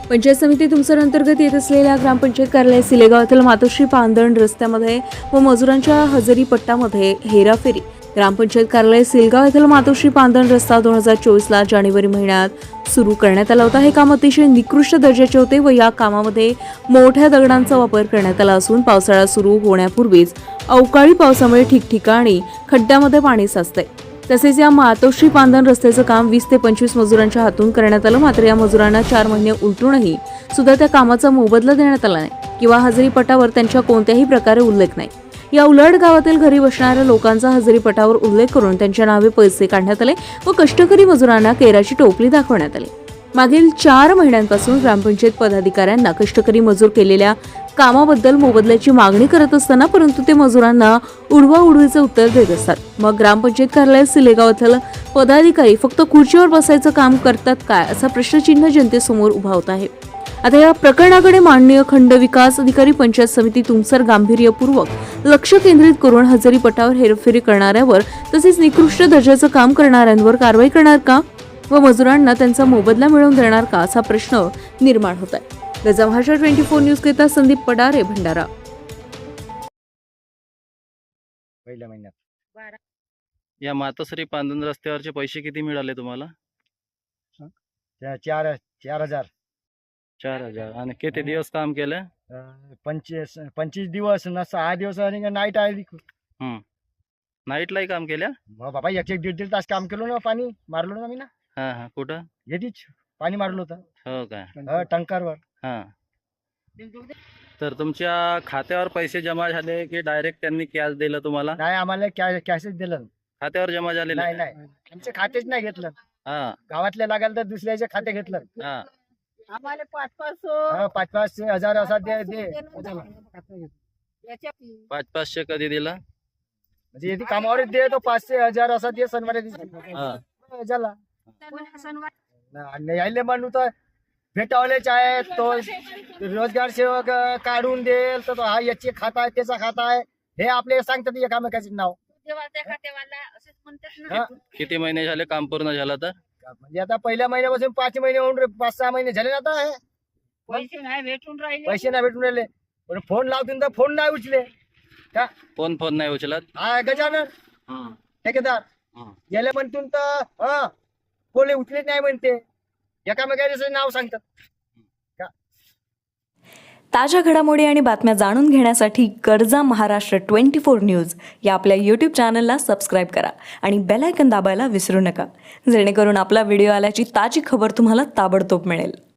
पंचायत समिती तुमसर अंतर्गत येत असलेल्या ग्रामपंचायत कार्यालय सिलेगाव येथील मातोश्री पांदण रस्त्यामध्ये व मजुरांच्या हजेरी पट्टामध्ये हेराफेरी. ग्रामपंचायत कार्यालय सिलगाव येथील मातोश्री पांदण रस्ता 2024ला जानेवारी महिन्यात सुरू करण्यात आला होता. हे काम अतिशय निकृष्ट दर्जाचे होते व या कामामध्ये मोठ्या दगडांचा वापर करण्यात आला असून पावसाळा सुरू होण्यापूर्वीच अवकाळी पावसामुळे ठिकठिकाणी खड्ड्यामध्ये पाणी साचते. तसेच या मातोश्री पांदण रस्त्याचं काम 20 ते 25 मजुरांच्या हातून करण्यात आलं. मात्र या मजुरांना 4 महिने उलटूनही सुद्धा त्या कामाचा मोबदला देण्यात आला नाही किंवा हजेरीपटावर त्यांच्या कोणत्याही प्रकारे उल्लेख नाही. या उलट गावातील घरी बसणाऱ्या लोकांचा हजेरीपटावर उल्लेख करून त्यांच्या नावे पैसे काढण्यात आले व कष्टकरी मजुरांना केराची टोपली दाखवण्यात आली. मागील 4 महिन्यांपासून ग्रामपंचायत पदाधिकाऱ्यांना कष्टकरी मजूर केलेल्या कामाबद्दल मोबदल्याची मागणी करत असताना परंतु ते मजुरांना उडवाउडवीचे उत्तर देत असतात. मग ग्रामपंचायत कार्यालय सिलेगाव येथील पदाधिकारी फक्त खुर्चीवर बसायचं काम करतात काय असा प्रश्नचिन्ह जनतेसमोर उभा होत आहे. आता या प्रकरणाकडे माननीय खंड विकास अधिकारी पंचायत समिती तुमसर गांभीर्यपूर्वक लक्ष केंद्रित करून हजेरीपटावर हेरफेरी करणाऱ्यावर तसेच निकृष्ट दर्जाचं काम करणाऱ्यांवर कारवाई करणार का व मजुरांना त्यांचा मोबदला मिळवून देणार का असा प्रश्न निर्माण होत आहे. गजाभाषा 24 न्यूज करिता संदीप पडारे, भंडारा. पहिल्या महिन्यात या मातोश्री पांदण रस्त्यावरचे पैसे किती मिळाले तुम्हाला? 4,000 4,000. आणि किती दिवस काम केलं? 25 दिवस ना 6 दिवस आणि नाईट आली. नाईटलाही काम केलं? बाबा 1-1.5 तास काम केलं ना. पाणी मारलो ना मी ना. हा, कुठं? येतीच पाणी मारलं होतं. हो काय? टंकारवर. हा. तर तुमच्या खात्यावर पैसे जमा झाले की डायरेक्ट त्यांनी कॅश दिलं तुम्हाला? नाही, आम्हाला कॅशच दिलं. खात्यावर जमा झाले? नाही, आमचे खातेच नाही घेतलं. हा. गावातल्या लागाल तर दुसऱ्याचे खाते घेतलं. हा. आम्हाला 500 500 हजार असा दे 500 कधी दिला? म्हणजे येते कामावरच दे तो 500 हजार असा दे सणवारी झाला. यायले म्हणू तर भेटावलेच आहे. तो रोजगार सेवक काढून देईल तर हा याचे खाता आहे त्याचा खाता आहे हे आपले सांगतात एकामेकाचे नाव. किती महिने झाले काम पूर्ण झालं तर? म्हणजे आता पहिल्या महिन्यापासून 5 महिने होऊन 5-6 महिने झाले ना. आता हे पैसे नाही भेटून राहिले पण फोन लावतील तर फोन नाही उचले का. फोन नाही उचलत? हा गजानन ठेकेदार गेले म्हणतून तर फोन उचलेच नाही म्हणते. एकामेकाचे नाव सांगतात. ताज्या घडामोडी आणि बातम्या जाणून घेण्यासाठी गरजा महाराष्ट्र 24 न्यूज या आपल्या यूट्यूब चॅनलला सबस्क्राईब करा आणि बेल आयकॉन दाबायला विसरू नका, जेणेकरून आपला व्हिडिओ आल्याची ताजी खबर तुम्हाला ताबडतोब मिळेल.